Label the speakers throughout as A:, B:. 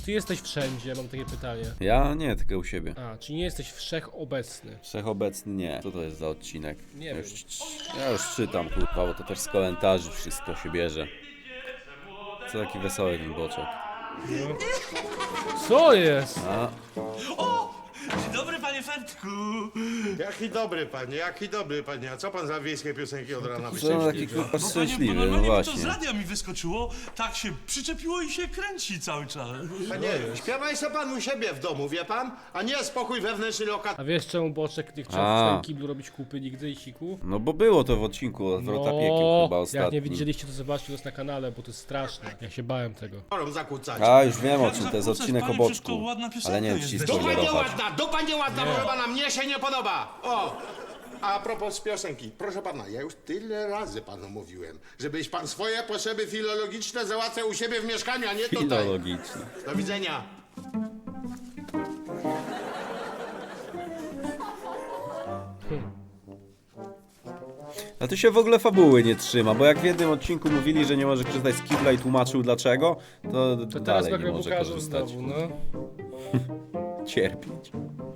A: ty jesteś wszędzie? Mam takie pytanie.
B: Ja nie, tylko u siebie.
A: A, czyli nie jesteś wszechobecny.
B: Wszechobecny nie. Co to jest za odcinek?
A: Nie
B: ja
A: wiem.
B: ja już czytam, kurwa, bo to też z komentarzy wszystko się bierze. Co taki wesoły ten boczek.
A: No. Co jest?
B: A,
C: Dzień dobry, panie Fertku.
D: Jaki dobry panie, a co pan za wiejskie piosenki od rana
B: co on taki
D: wyścigł?
B: kurwa
C: Bo
B: szczęśliwy, no
C: normalnie mi to z
B: właśnie.
C: radia mi wyskoczyło, tak się przyczepiło i się kręci cały czas.
D: Panie, śpiewaj se pan u siebie w domu, wie pan? A nie spokój wewnętrzny lokat.
A: A wiesz czemu Boczek nie chciał w swoim kiblu robić kupy nigdy i siku?
B: No bo było to w odcinku od Wrota Piekieł chyba
A: jak nie
B: ostatnim.
A: widzieliście, to zobaczcie, to jest na kanale, bo to jest straszne. Ja się bałem tego.
D: Chorą zakłócać.
B: A, już wiem o
C: Jak
B: czym, to jest
C: zakłócać,
B: odcinek o
C: panie,
B: boczku.
C: przecież to ładna piosenka
B: Ale nie wiem,
C: jest.
B: czy ci
C: Dupa
B: spoilerować.
D: Dupa nieładna, proszę pana, mnie się nie podoba. O! A propos piosenki, proszę pana, ja już tyle razy panu mówiłem, żebyś pan swoje potrzeby filologiczne załatwiał u siebie w mieszkaniu, a nie tutaj.
B: Filologiczny.
D: Do widzenia.
B: A tu się w ogóle fabuły nie trzyma, bo jak w jednym odcinku mówili, że nie może korzystać z kibla i tłumaczył dlaczego, to
A: To teraz
B: dalej nie
A: nagle
B: może
A: pokażę
B: korzystać.
A: znowu, no.
B: Cierpieć.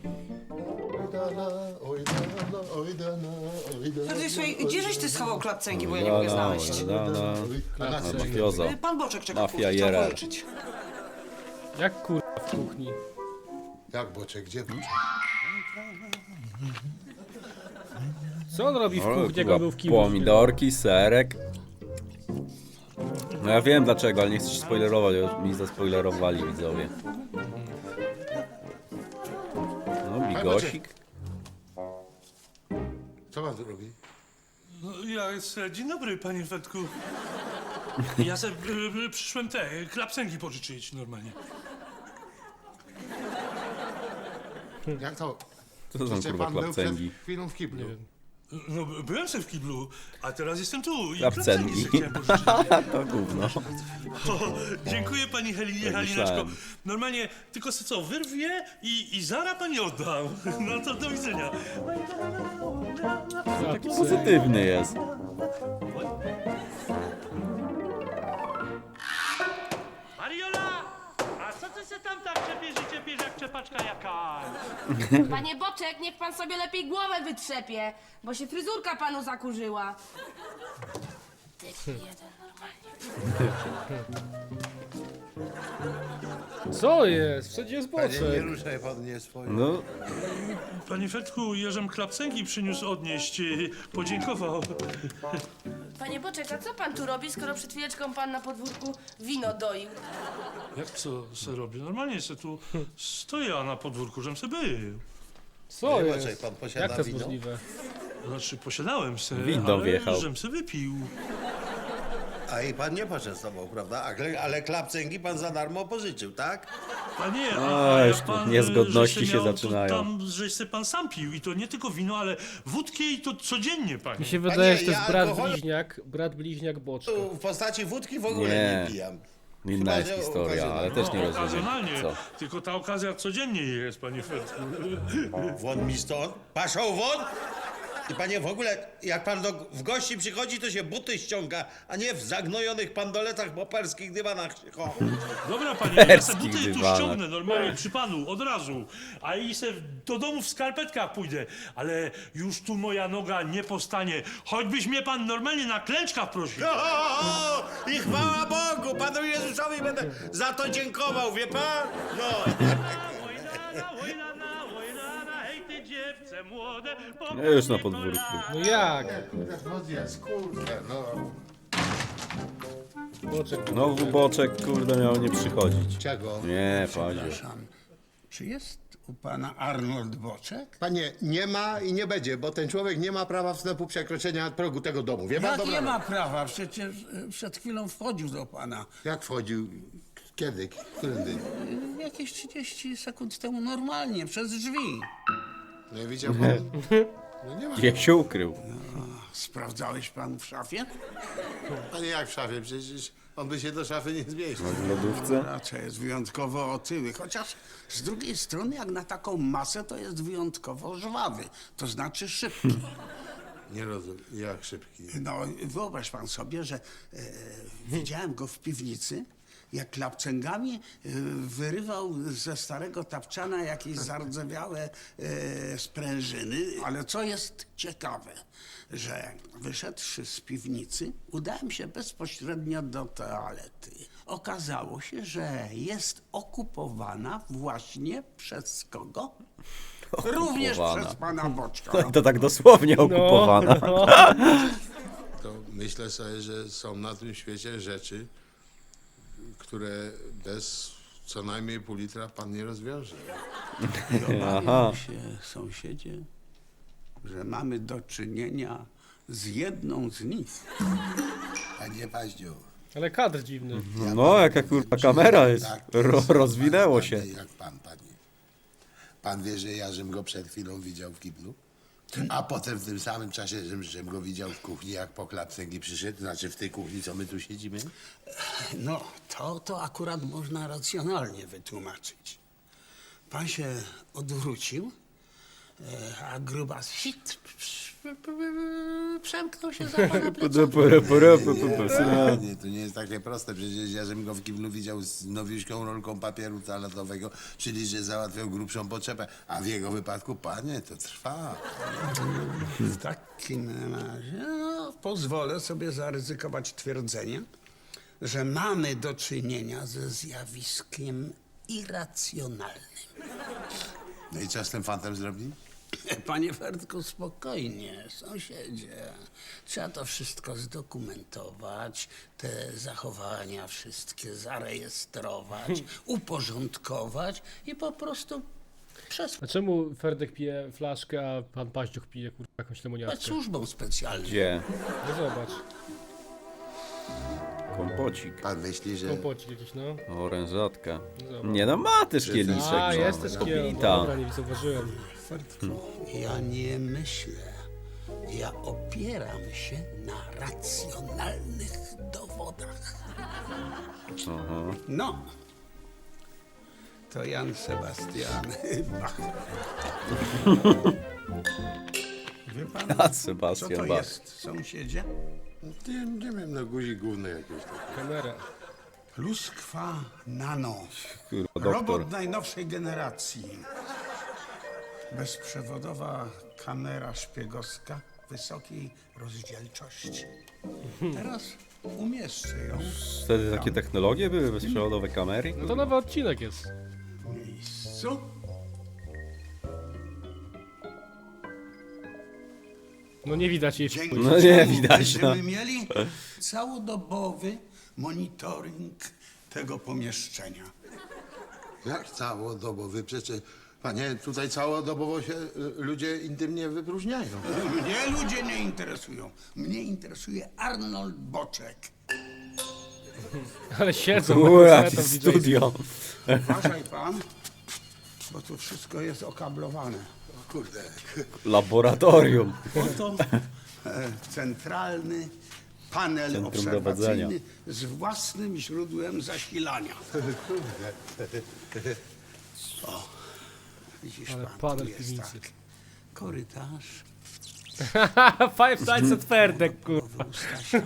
E: Słuchaj, gdzieżeś ty schował klapcęgi, bo ja nie mogę znaleźć.
A: Klapcęgi.
B: Mafioza.
E: Pan Boczek czeka
B: Mafia
E: w kuchni,
B: IRL.
E: chciał pożyczyć.
A: Jak kurwa w kuchni?
D: Jak boczek, gdzie boczek?
A: Co on robi w
B: O,
A: kuchni, jak
B: kurwa,
A: on był w kiblu?
B: pomidorki, serek. No ja wiem dlaczego, ale nie chcę się spoilerować, bo mi zaspoilerowali widzowie. No, bigosik.
D: Co pan tu robi?
C: No, dzień dobry, panie Fertku. Ja se przyszłem te klapsęgi pożyczyć normalnie.
D: Jak to?
B: Co to są
D: Przecież
B: kurwa
D: pan był
B: klapcęgi?
D: przed chwilą w kiblu.
C: No, byłem se w kiblu, a teraz jestem tu i
B: Klapsęgi.
C: klapsęgi se chciałem pożyczyć.
B: To gówno.
C: O, dziękuję pani Halineczko.
B: myślałem.
C: Normalnie tylko se co, wyrwie i zara pani oddam. No to do widzenia.
B: Taki pozytywny jest.
C: Mariola! A co ty se tam tak czepiesz jak czepaczka jakaś?
F: Panie Boczek, niech pan sobie lepiej głowę wytrzepie, bo się fryzurka panu zakurzyła. Debil jeden normalnie.
A: Co jest? Wszędzie jest Boczek.
D: ruszaj pan nie swoje.
B: No,
C: Panie Fertku, Jerzem klapsęgi przyniósł odnieść. Podziękował.
F: Panie Boczek, a co pan tu robi, skoro przed chwileczką pan na podwórku wino doił?
C: Jak co se robię? Normalnie se tu stoję na podwórku, żem se był.
A: Co
D: Nie,
A: jest?
D: Boczek, pan posiada
A: Jak to jest
D: wino?
A: możliwe?
C: Znaczy posiadałem se,
B: Windą
C: ale
B: wjechał.
C: żem se wypił.
G: A i pan nie poczęstował, prawda? Ale klapcęgi pan za darmo pożyczył, tak?
C: Panie,
B: A, już tu niezgodności
C: żeś se
B: się
C: miał,
B: zaczynają.
C: To tam, żeś se pan sam pił i to nie tylko wino, ale wódkę i to codziennie, panie.
A: Mi się wydaje, że to
G: ja
A: jest brat
G: alkoholu-
A: bliźniak Boczka.
G: Tu w postaci wódki w ogóle
B: Nie.
G: nie pijam.
B: inna jest
G: Chyba, że
B: historia, ale też nie rozumiem.
C: Okazjonalnie,
B: Co?
C: tylko ta okazja codziennie jest, panie Fertku.
G: Won mi stąd, paszą won! I panie, w ogóle, jak pan w gości przychodzi, to się buty ściąga, a nie w zagnojonych pandoletach poperskich dywanach się chowa.
C: Dobra, panie, ja se
B: Perskich
C: buty tu
B: dywanach.
C: ściągnę normalnie przy panu, od razu. A i se do domu w skarpetkach pójdę. Ale już tu moja noga nie postanie. Choćbyś mnie pan normalnie na klęczkach prosił.
G: O, i chwała Bogu, panu Jezusowi będę za to dziękował, wie pan? No.
C: Hej ty dziewczę młode.
B: No już na podwórku.
A: No jak?
D: No jest, kurde, no.
A: Boczek.
B: Znowu boczek, kurde, miał nie przychodzić.
D: Czego?
B: Nie, panie.
H: Przepraszam, czy jest u pana Arnold Boczek?
D: Panie, nie ma i nie będzie, bo ten człowiek nie ma prawa wstępu przekroczenia progu tego domu. Wie pan
H: Jak
D: dobra?
H: nie ma prawa? Przecież przed chwilą wchodził do pana.
D: Jak wchodził? Kiedy? Którędy?
H: Jakieś 30 sekund temu normalnie, przez drzwi.
D: Nie widział pan? No nie ma.
B: Gdzie się ukrył?
H: Sprawdzałeś pan w szafie?
D: Panie, jak w szafie? Przecież on by się do szafy nie zmieścił.
B: W lodówce?
H: Raczej jest wyjątkowo otyły, chociaż z drugiej strony jak na taką masę to jest wyjątkowo żwawy, to znaczy szybki.
D: Nie rozumiem, jak szybki.
H: No wyobraź pan sobie, że widziałem go w piwnicy, jak klapcęgami wyrywał ze starego tapczana jakieś zardzewiałe sprężyny. Ale co jest ciekawe, że wyszedłszy z piwnicy, udałem się bezpośrednio do toalety. Okazało się, że jest okupowana właśnie przez kogo? Również
B: Okupowana.
H: przez pana Boczka.
B: No i to tak dosłownie okupowana.
A: No.
D: To myślę sobie, że są na tym świecie rzeczy, które bez co najmniej pół litra pan nie rozwiąże.
H: Obawiam się, sąsiedzie, że mamy do czynienia z jedną z nich.
I: Panie Paździu.
A: Ale kadr dziwny.
B: No, jaka kurwa kamera jest.
I: Tak,
B: Rozwinęło
I: pan,
B: się.
I: Jak pan, panie. Pan wie, że ja żem go przed chwilą widział w kiblu? A potem w tym samym czasie, żem go widział w kuchni, jak po klapcęgi przyszedł, znaczy w tej kuchni, co my tu siedzimy?
H: No, to akurat można racjonalnie wytłumaczyć. Pan się odwrócił, a grubas hit przemknął się za pana plecami.
I: Nie, to nie jest takie proste. Przecież ja żem go w kiblu widział z nowiuśką rolką papieru toaletowego, czyli że załatwiał grubszą potrzebę. A w jego wypadku, panie, to trwa.
H: W takim razie no, pozwolę sobie zaryzykować twierdzenie, że mamy do czynienia ze zjawiskiem irracjonalnym.
I: No i co z tym fantem zrobi?
H: Panie Ferdku, spokojnie, sąsiedzie. Trzeba to wszystko zdokumentować, te zachowania wszystkie zarejestrować, uporządkować i po prostu przesłać
A: A czemu Ferdek pije flaszkę, a pan Paździuch pije kurwa jakąś lemoniadkę?
H: służbą specjalną.
B: Gdzie?
A: No zobacz,
B: Kompocik.
I: Pan myśli, że...
A: kompocik jakiś, no.
B: Orężatka.
A: Zobacz.
B: Nie no, ma też kieliszek.
A: A,
B: no.
A: jest też kiel.
B: Kobita.
A: Dobra, nie zauważyłem.
H: Ja nie myślę. Ja opieram się na racjonalnych dowodach.
B: Aha.
H: No, to Jan Sebastian Bach. Wie pan,
B: A
H: co
B: Sebastian
H: to
B: Bach.
H: jest, sąsiedzie?
D: Nie wiem, no guzik główny jakiś taki.
A: Kamera.
H: Pluskwa Nano.
B: Kurwa, doktor.
H: Robot najnowszej generacji. Bezprzewodowa kamera szpiegowska wysokiej rozdzielczości. Teraz umieszczę ją
B: Wtedy takie technologie były, bezprzewodowe kamery?
A: No to nowy odcinek jest.
H: w miejscu.
A: No nie widać jej w
H: Dzięki
A: chuj.
B: No nie
H: czemu
B: widać,
H: będziemy
B: no.
H: mieli całodobowy monitoring tego pomieszczenia.
D: Jak całodobowy? Przecież, panie, tutaj całodobowo się ludzie intymnie wypróżniają.
H: Mnie ludzie nie interesują. Mnie interesuje Arnold Boczek.
A: Ale siedzą na
B: Ua,
A: koncertach
B: jakie
A: DJ-skich.
B: studio.
H: Uważaj pan, bo tu wszystko jest okablowane.
D: Kurde.
B: Laboratorium.
H: Oto centralny panel
B: Centrum
H: obserwacyjny
B: dowodzenia.
H: z własnym źródłem zasilania. O, widzisz
A: Ale
H: pan,
A: panel
H: tu
A: w
H: jest
A: piwnicy.
H: tak. Korytarz,
A: Five Nights at Ferdek, kurwa.
H: Stasia,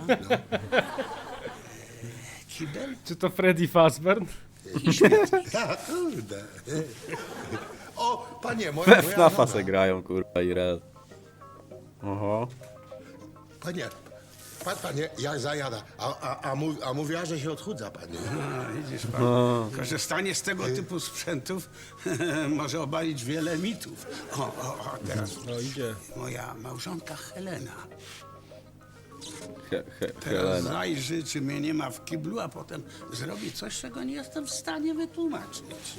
H: kibel
A: Czy to Freddy Fazbear?
H: i śmietnik.
D: Kurde. O, panie, moja
B: We FNAFa
D: noga.
B: se grają, kurwa, i rel. Oho.
D: Panie, panie, jak zajada. A mówiła, że się odchudza, panie.
H: No, widzisz pan, korzystanie z tego typu sprzętów może obalić wiele mitów. O, teraz
A: No idzie.
H: moja małżonka Helena. Teraz
B: Helena.
H: zajrzy, czy mnie nie ma w kiblu, a potem zrobi coś, czego nie jestem w stanie wytłumaczyć.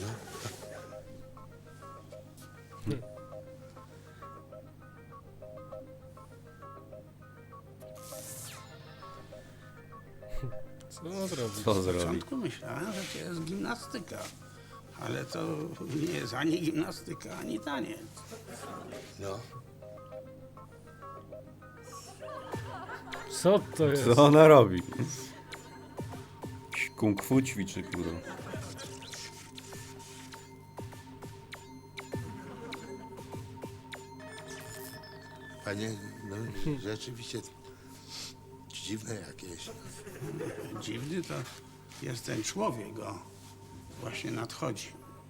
A: Co zrobić?
B: Co
H: W
B: zrobi?
H: początku myślałem, że to jest gimnastyka, ale to nie jest ani gimnastyka, ani taniec.
D: No.
A: Co to jest?
B: Co ona robi? Kung fu ćwiczy, kurwa.
D: Panie, no rzeczywiście dziwne jakieś.
H: Dziwny to jest ten człowiek, o, właśnie nadchodzi.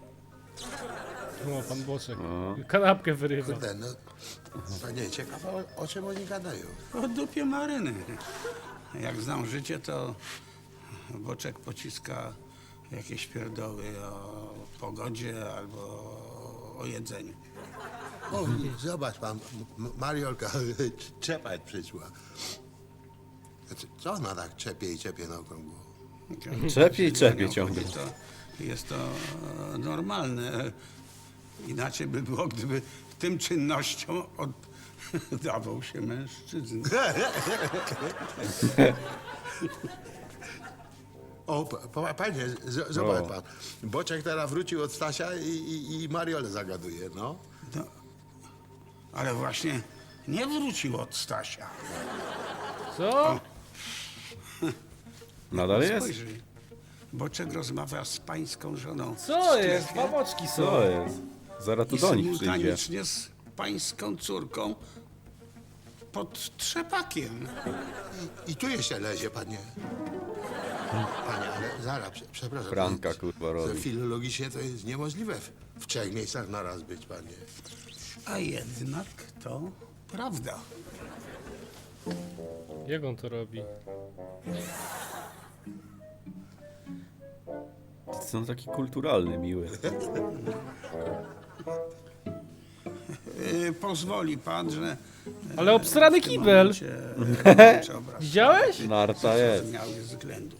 A: O, pan Boczek. Kanapkę wyrywa.
I: Kurde, no, panie, ciekawe o czym oni gadają.
H: O dupie maryny. Jak znam życie, to Boczek pociska jakieś pierdoły o pogodzie albo o jedzeniu.
I: O, zobacz pan, Mariolka trzepać przyszła. Co ona tak czepie i czepie na okrągło?
B: Czepie i czepie ciągle.
H: Jest to normalne. Inaczej by było, gdyby tym czynnościom oddawał się mężczyzna.
I: O, panie, zobacz pan. Boczek teraz wrócił od Stasia i Mariolę zagaduje, no.
H: No, ale właśnie nie wrócił od Stasia.
A: Co?
B: Nadal jest?
H: Spojrzyj. Boczek rozmawia z pańską żoną.
A: Co jest? Dwa boczki są.
B: Co jest? Zaraz tu
H: I
B: do nich przyjdzie.
H: symultanicznie z pańską córką pod trzepakiem.
I: I tu jeszcze lezie, panie. Panie, ale zaraz, przepraszam.
B: Franka, kurwa, robi.
I: Filologicznie to jest niemożliwe w 3 miejscach na raz być, panie.
H: A jednak to prawda.
A: Jak on to robi?
B: Są taki kulturalny, miły.
H: Pozwoli pan, że...
A: Ale obstrany
H: w tym
A: kibel!
H: momencie, obraz
A: Widziałeś?
B: Narta jest.
H: zrozumiałych względów.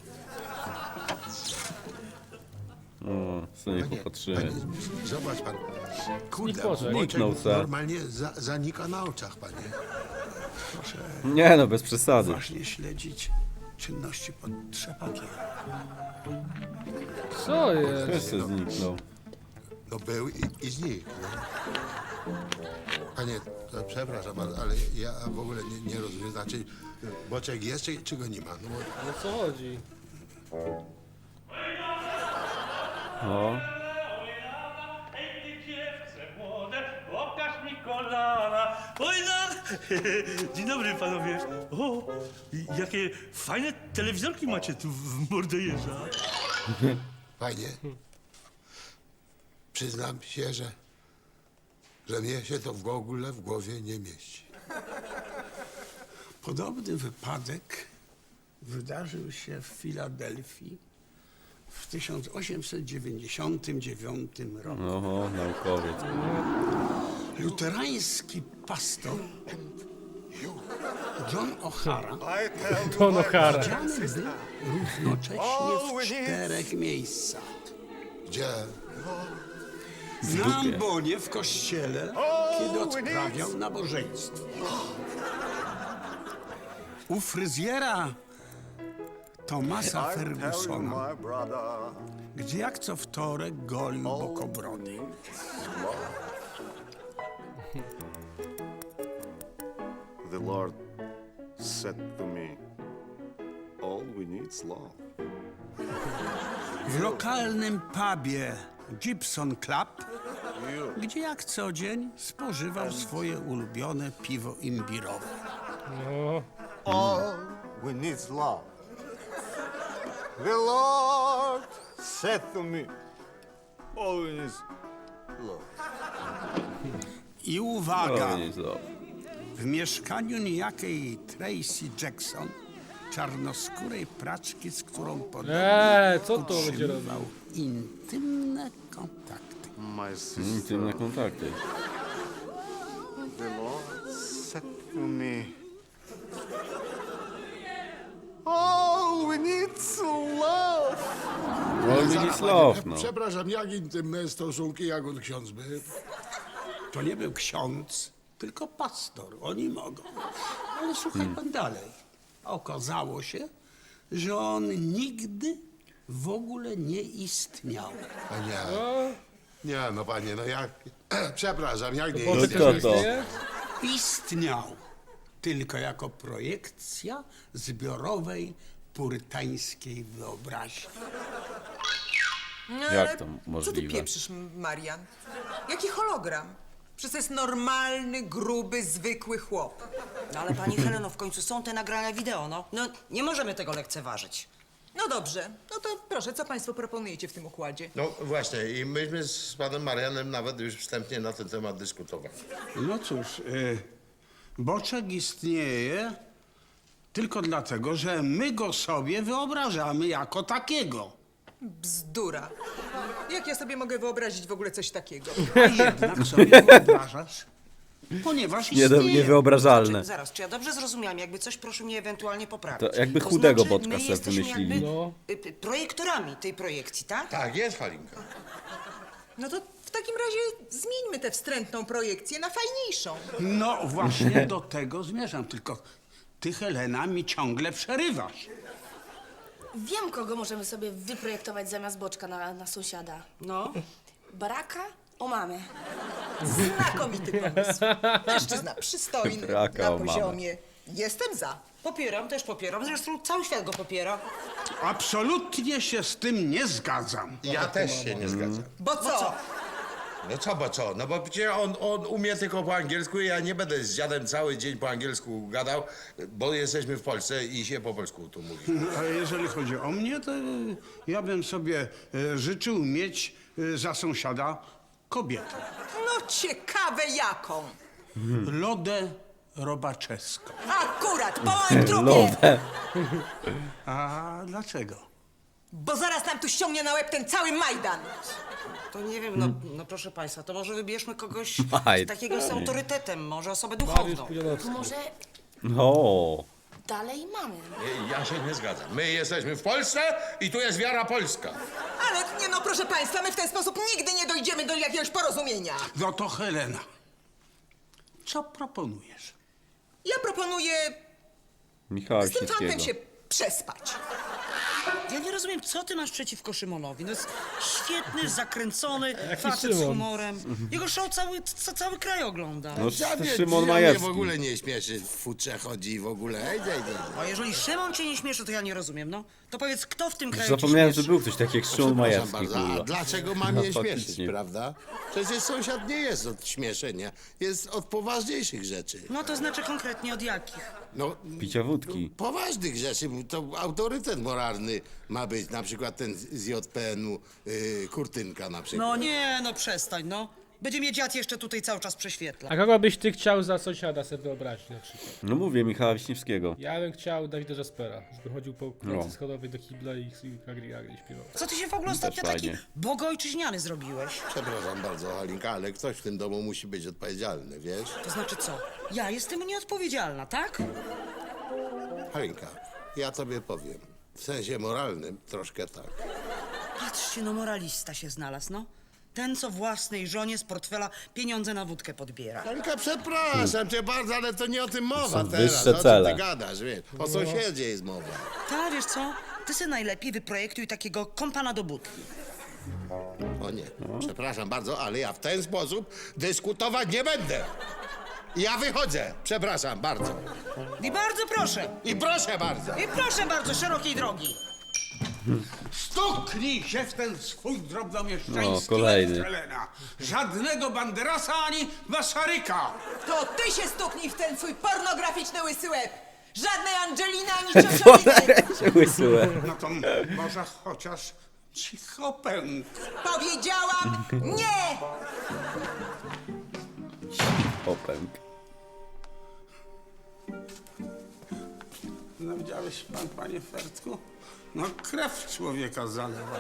B: Sobie popatrzymy.
I: Panie, zobacz pan. Kurde,
A: Boczek.
I: Boczek
B: Zniknął se.
I: normalnie zanika na oczach, panie.
H: Proszę
B: Nie no, bez przesady.
H: uważnie śledzić czynności pod trzepakiem.
A: Co jest?
B: Wszyscy zniknął.
I: No był i znikł. No. Panie, to przepraszam, ale ja w ogóle nie rozumiem. Znaczy, Boczek jest, czy go nie ma? No, bo,
A: O co chodzi?
B: O,
C: Ej, ty dziewczę młode, pokaż mi kolana. Oj, no! Dzień dobry, panowie. O, jakie fajne telewizorki macie tu w Mordejerza.
I: fajnie. Przyznam się, że mnie się to w ogóle w głowie nie mieści.
H: Podobny wypadek wydarzył się w Filadelfii w 1899 roku.
B: oho, naukowiec.
H: Luterański pastor John O'Hara
A: Don O'Hara.
H: widziany był równocześnie w 4 miejscach.
I: Gdzie?
H: Na ambonie w kościele, kiedy odprawiał nabożeństwo. U fryzjera Thomasa Fergusona, gdzie jak co wtorek golił bokobrody.
J: The Lord said to me, all we need is love.
H: W lokalnym pubie Gibson Club, gdzie jak co dzień spożywał swoje ulubione piwo imbirowe.
A: No.
J: All we need is love. The Lord said to me, all we need is love.
H: I uwaga,
B: O, nie zo.
H: w mieszkaniu niejakiej Tracy Jackson, czarnoskórej praczki, z którą podobno
A: Co to będzie
H: utrzymywał
A: robił?
H: intymne kontakty.
J: My sister,
B: Intymne kontakty.
J: the Lord said to me, all we need is love.
B: All we need is love, no.
I: Przepraszam, jak intymne stosunki, jak on ksiądz był?
H: To nie był ksiądz, tylko pastor. Oni mogą. Ale słuchaj pan dalej. Okazało się, że on nigdy w ogóle nie istniał.
I: A nie. Nie, no panie, no jak... Przepraszam, jak nie
A: Boczek
I: jest?
B: kto
A: też
B: to?
A: istnieje?
H: Istniał tylko jako projekcja zbiorowej purytańskiej wyobraźni.
K: No,
B: Jak
K: ale
B: to
K: Co ty
B: możliwe?
K: pieprzysz, Marian? Jaki hologram? Przecież to jest normalny, gruby, zwykły chłop.
E: No ale pani Heleno, w końcu są te nagrania wideo, no. No nie możemy tego lekceważyć.
K: No dobrze, no to proszę, co państwo proponujecie w tym układzie?
D: No właśnie, i myśmy z panem Marianem nawet już wstępnie na ten temat dyskutowali.
H: No cóż, boczek istnieje tylko dlatego, że my go sobie wyobrażamy jako takiego.
K: Bzdura. Jak ja sobie mogę wyobrazić w ogóle coś takiego?
H: A jednak sobie wyobrażasz, ponieważ istnieje.
B: Niewyobrażalne.
E: Zaraz, czy ja dobrze zrozumiałam? Jakby coś, proszę mnie ewentualnie poprawić.
B: To jakby chudego
E: znaczy,
B: Boczka
E: my
B: sobie
E: jesteśmy
B: wymyślili.
E: jakby,
A: No.
E: projektorami tej projekcji, tak?
D: Tak, jest Halinka.
K: No to w takim razie zmieńmy tę wstrętną projekcję na fajniejszą.
H: No właśnie do tego zmierzam, tylko ty, Helena, mi ciągle przerywasz.
F: Wiem, kogo możemy sobie wyprojektować zamiast Boczka na sąsiada.
E: No.
F: Baraka o mamę.
K: Znakomity pomysł. Mężczyzna przystojny,
B: Braka
K: na
B: o mamę.
K: poziomie. Jestem za.
E: Popieram, też popieram. Zresztą cały świat go popiera.
H: Absolutnie się z tym nie zgadzam.
D: Ja też się nie zgadzam.
K: Bo co?
D: No co, bo co? No bo przecież on umie tylko po angielsku i ja nie będę z dziadem cały dzień po angielsku gadał, bo jesteśmy w Polsce i się po polsku tu mówi.
H: A jeżeli chodzi o mnie, to ja bym sobie życzył mieć za sąsiada kobietę.
K: No ciekawe jaką.
H: Lodę Robaczewską.
K: Akurat, po moim trupie.
B: Lowę.
H: A dlaczego?
K: Bo zaraz nam tu ściągnie na łeb ten cały Majdan.
E: To nie wiem, no proszę państwa, to może wybierzmy kogoś
B: Maj.
E: takiego z autorytetem, może osobę
A: Mariusz
E: duchowną.
A: Pudzianowski.
F: Może
B: O.
F: dalej mamy.
D: Ja się nie zgadzam. My jesteśmy w Polsce i tu jest wiara polska.
K: Ale nie no, proszę państwa, my w ten sposób nigdy nie dojdziemy do jakiegoś porozumienia.
H: No to Helena, co proponujesz?
K: Ja proponuję
B: Michała
K: z tym fantem
B: Wiśniewskiego.
K: się przespać.
E: Ja nie rozumiem, co ty masz przeciwko Szymonowi. No jest świetny, zakręcony,
A: Jaki
E: facet z
A: Szymon?
E: humorem. Jego show cały kraj ogląda.
B: No
D: Dziadzie,
B: Szymon
D: mnie
B: Majewski.
D: w ogóle nie śmieszy, w futrze chodzi i w ogóle. Ej.
E: A jeżeli Szymon cię nie śmieszy, to ja nie rozumiem, no. To powiedz, kto w tym kraju
B: Zapomniałem,
E: cię
B: że
E: śmieszy?
B: był ktoś taki jak Szymon Majewski,
D: bardzo, a
B: kurwa.
D: dlaczego mam
B: No,
D: je śmieszyć,
B: faktycznie.
D: prawda? Przecież sąsiad nie jest od śmieszenia, jest od poważniejszych rzeczy.
E: No to znaczy konkretnie od jakich?
D: No,
B: Picia wódki.
D: poważnych rzeczy, to autorytet moralny ma być, na przykład ten z JPN-u, Kurtynka na przykład.
E: No nie, no przestań, no. Będzie mnie dziad jeszcze tutaj cały czas prześwietla.
A: A kogo byś ty chciał za sąsiada sobie wyobrazić na przykład?
B: No mówię, Michała Wiśniewskiego.
A: Ja bym chciał Dawida Jaspera, żeby chodził po
B: No.
A: klatce schodowej do kibla i agri śpiewał.
E: Co ty się w ogóle ostatnio taki
B: fajnie.
E: bogojczyźniany zrobiłeś?
D: Przepraszam bardzo, Halinka, ale ktoś w tym domu musi być odpowiedzialny, wiesz?
E: To znaczy co? Ja jestem nieodpowiedzialna, tak?
D: Halinka, ja tobie powiem, w sensie moralnym troszkę tak.
E: Patrzcie, no moralista się znalazł, no. Ten, co własnej żonie z portfela pieniądze na wódkę podbiera.
D: Halinka, przepraszam cię bardzo, ale to nie o tym mowa
B: są
D: teraz.
B: wyższe
D: O czym
B: cele.
D: ty gadasz, wiesz? O sąsiedzie jest mowa.
E: Ta, wiesz co? Ty sobie najlepiej wyprojektuj takiego kompana do budki.
D: O nie, przepraszam bardzo, ale ja w ten sposób dyskutować nie będę. Ja wychodzę, przepraszam bardzo.
E: I bardzo proszę,
D: I proszę bardzo.
E: i proszę bardzo, szerokiej drogi.
H: Stuknij się w ten swój drobnomieszczański
B: O, kolejny.
H: łeb, Helena. Żadnego Banderasa ani Waszaryka.
K: To ty się stuknij w ten swój pornograficzny łysy łeb. Żadnej Angeliny ani ciocioliny.
B: Łysyłe.
H: No to może chociaż cicho pęk.
K: Powiedziałam nie!
B: Popęk.
H: No widziałeś pan, panie Fertku? No krew człowieka zalewa.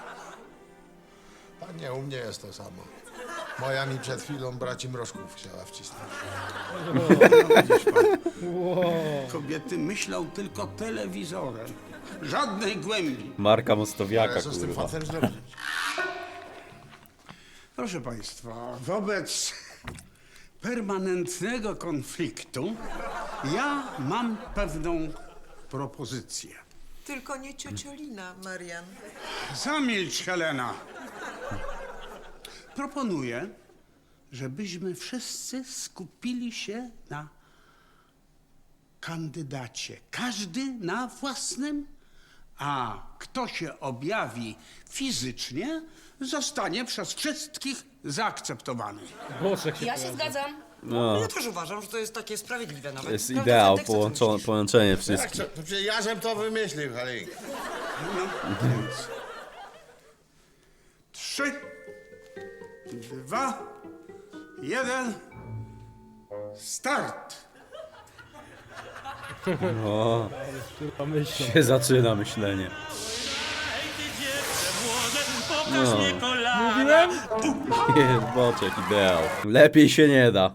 D: Panie, u mnie jest to samo. Moja mi przed chwilą braci mrożków chciała wcisnąć.
H: No, widzisz pan, kobiety myślą tylko telewizorem. Żadnej głębi.
B: Marka Mostowiaka,
D: Ale co z tym
B: kurwa.
D: fantem zrobić?
H: Proszę państwa, wobec permanentnego konfliktu ja mam pewną propozycję.
K: Tylko nie ciociolina, Marian.
H: Zamilcz, Helena. Proponuję, żebyśmy wszyscy skupili się na kandydacie. Każdy na własnym, a kto się objawi fizycznie, zostanie przez wszystkich zaakceptowany.
A: Boczek się
F: Ja się
A: pojawił.
F: zgadzam.
B: No,
E: Ja też uważam, że to jest takie sprawiedliwe nawet.
B: jest
E: Każdy
B: ideał,
E: chce, co myślisz.
B: połączenie
D: Jak
B: wszystkich.
D: to przecież ja żem to wymyślił, Halinka.
H: No, więc 3, 2, 1, start!
B: O,
A: Kurwa myślą.
B: się zaczyna myślenie.
C: Hej, ty dziewczę młode, pokaż mi kolana.
A: Mówiłem?
B: Jest boczek, ideał. Lepiej się nie da.